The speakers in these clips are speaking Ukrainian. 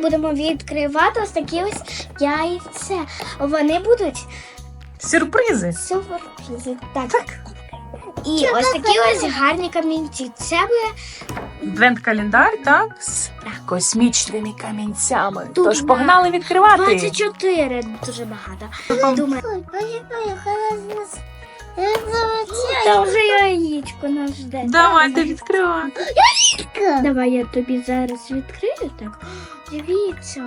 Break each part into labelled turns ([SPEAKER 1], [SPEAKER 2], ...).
[SPEAKER 1] будемо відкривати ось такі ось яйця. Вони будуть
[SPEAKER 2] Сюрпризи.
[SPEAKER 1] сюрпризи. Так. І ось такі ось гарні камінці. Це буде
[SPEAKER 2] Адвент-календар, так? З космічними камінцями.
[SPEAKER 1] Тут
[SPEAKER 2] Тож погнали відкривати.
[SPEAKER 1] 24, дуже багато. Думаю, та вже яєчко нас жде.
[SPEAKER 2] Давайте відкривати.
[SPEAKER 1] Давай я тобі зараз відкрию, так? Дивіться.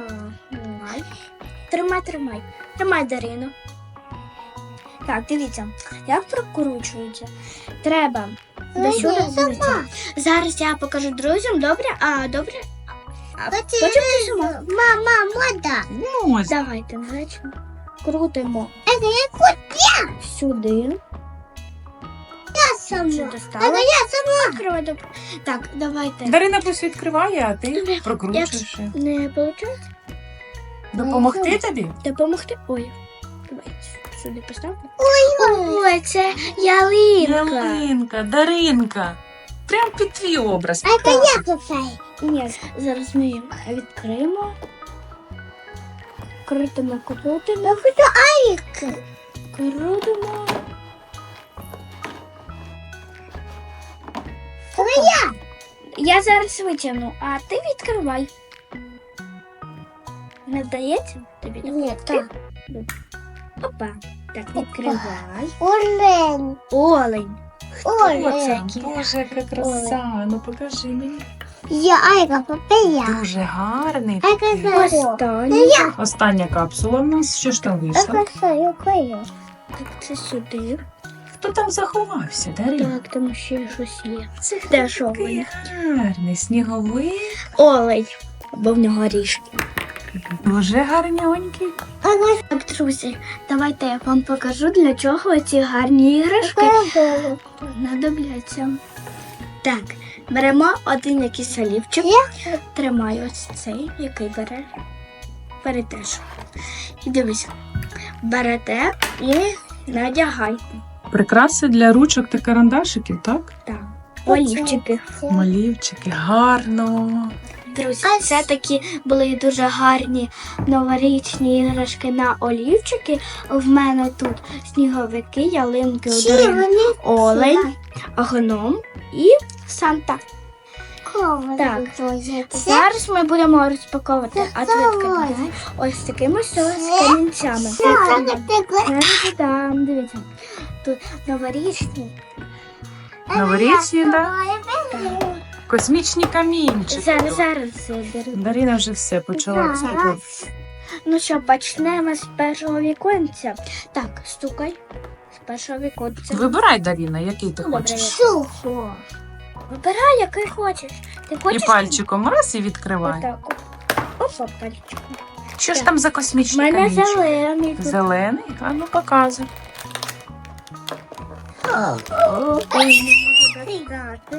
[SPEAKER 1] Тримай. Тримай, Дарину. Так, дивіться, як прокручується. Треба до сюди. Дивіться. Зараз я покажу друзям, добре? Добре? А потім ти сама.
[SPEAKER 3] Мама,
[SPEAKER 2] Ну, ось.
[SPEAKER 1] Давайте, значить, крутимо сюди. Вже достала. Закривай, добре. Так, давайте.
[SPEAKER 2] Дарина пусть відкриває, а ти
[SPEAKER 1] Добре.
[SPEAKER 2] прокручуєш.
[SPEAKER 1] Не виходить?
[SPEAKER 2] Допомогти тобі?
[SPEAKER 1] Допомогти? Ой. Давай сюди поставлю. Ой, це ялинка.
[SPEAKER 2] Ялинка, Даринка. Прям під твій образ.
[SPEAKER 1] Ні, зараз ми її відкриємо. Крутимо. Крутимо. Я зараз витягну, а ти відкривай. Не вдається тобі?
[SPEAKER 3] Ні,
[SPEAKER 1] так. Опа. Так, відкривай.
[SPEAKER 3] Олень.
[SPEAKER 1] Олень.
[SPEAKER 3] Олень.
[SPEAKER 2] Боже, яка краса. Ну покажи мені.
[SPEAKER 3] Я Айка Папея.
[SPEAKER 2] Дуже гарний.
[SPEAKER 3] Айка
[SPEAKER 2] такий.
[SPEAKER 1] Останній.
[SPEAKER 2] Остання капсула в нас. Що ж там вийшло?
[SPEAKER 1] Так, це сюди.
[SPEAKER 2] Хто там заховався, Дарина?
[SPEAKER 1] Так, там ще щось є.
[SPEAKER 2] Це
[SPEAKER 1] Де ж
[SPEAKER 2] такий
[SPEAKER 1] олень?
[SPEAKER 2] гарний сніговик.
[SPEAKER 1] Олень. Бо в нього ріжки.
[SPEAKER 2] Дуже гарненький.
[SPEAKER 1] Так, друзі, давайте я вам покажу, для чого ці гарні іграшки знадобляться. Так, беремо один якийсь олівчик. Тримай ось цей, який берете. І дивись, берете і надягайте.
[SPEAKER 2] Прикраси для ручок та карандашиків, так?
[SPEAKER 1] Так, олівчики.
[SPEAKER 2] Малівчики, гарно.
[SPEAKER 1] Друзі, це такі були дуже гарні новорічні іграшки на олівчики. В мене тут сніговики, ялинки, олень, гном і Санта. Так. Зараз ми будемо розпаковувати адвент-календар ось такими ось камінцями. Там, дивіться, тут новорічні.
[SPEAKER 2] Новорічні, так? Космічні камінчики.
[SPEAKER 1] Зараз беру.
[SPEAKER 2] Дарина вже все почала розпаковувати.
[SPEAKER 1] Ну що, почнемо з першого віконця. Так, стукай. З першого віконця.
[SPEAKER 2] Вибирай, Дарина, який ти
[SPEAKER 1] Добре,
[SPEAKER 2] хочеш.
[SPEAKER 1] Вибирай, який хочеш. Ти
[SPEAKER 2] І
[SPEAKER 1] хочеш?
[SPEAKER 2] пальчиком раз і відкривай.
[SPEAKER 1] Отак. Опа, пальчиком.
[SPEAKER 2] Що ж там за
[SPEAKER 1] У
[SPEAKER 2] космічні
[SPEAKER 1] мене
[SPEAKER 2] камінчики?
[SPEAKER 1] зелений. тут.
[SPEAKER 2] Зелений? А ну показуй.
[SPEAKER 1] Ой, не можу достати.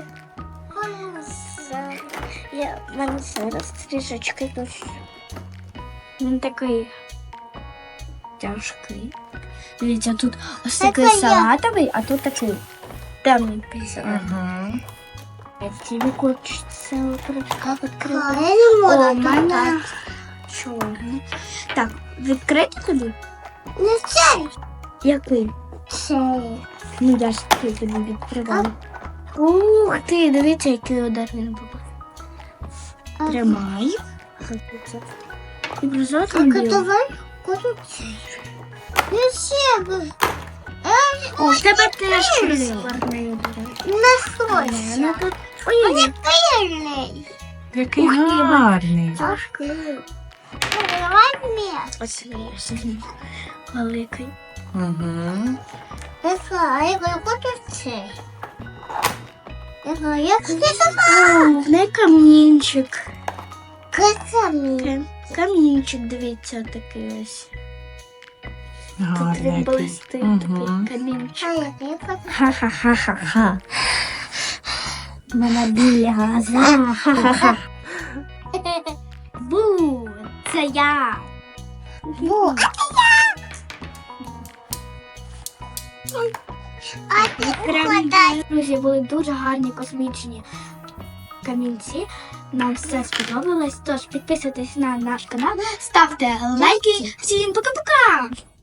[SPEAKER 1] В мене зараз трішечки тут. Він такий тяжкий. Дивіться, тут ось такий салатовий, а тут такий темненький салатовий.
[SPEAKER 2] Угу.
[SPEAKER 1] Тобі хочеться відкривати. О, у мене чорний. Так, відкрити тобі?
[SPEAKER 3] Не цей.
[SPEAKER 1] Який?
[SPEAKER 3] Цей.
[SPEAKER 1] Ну, я ж тобі відкриваю. Ух ти, дивіться, який удар він був. Тримай. І бризотом
[SPEAKER 3] давай куди цей. Не себе.
[SPEAKER 1] О, в тебе теж прискорний удар.
[SPEAKER 3] Не хоче.
[SPEAKER 1] Ну, тут... Ой,
[SPEAKER 3] Пильний.
[SPEAKER 2] Який
[SPEAKER 1] Ух ти,
[SPEAKER 2] гарний.
[SPEAKER 1] тяжкий.
[SPEAKER 3] Давай вместе.
[SPEAKER 1] Ось він великий.
[SPEAKER 2] Угу.
[SPEAKER 3] Я хочу цей. Я хочу сама.
[SPEAKER 1] О, в неї камінчик.
[SPEAKER 3] Красавний.
[SPEAKER 1] Камінчик, дивіться, такий ось. Тут він
[SPEAKER 2] Гарний.
[SPEAKER 1] блистить,
[SPEAKER 2] Угу.
[SPEAKER 1] такий камінчик.
[SPEAKER 3] А я хочу.
[SPEAKER 1] Ха-ха-ха-ха-ха. Мене біля газа. Ха-ха-ха. Бу, це я.
[SPEAKER 3] Бу. А ти
[SPEAKER 1] Прям,
[SPEAKER 3] угадай.
[SPEAKER 1] друзі, були дуже гарні космічні камінці. Нам все сподобалось. Тож підписуйтесь на наш канал, ставте лайки. Всім пока-пока!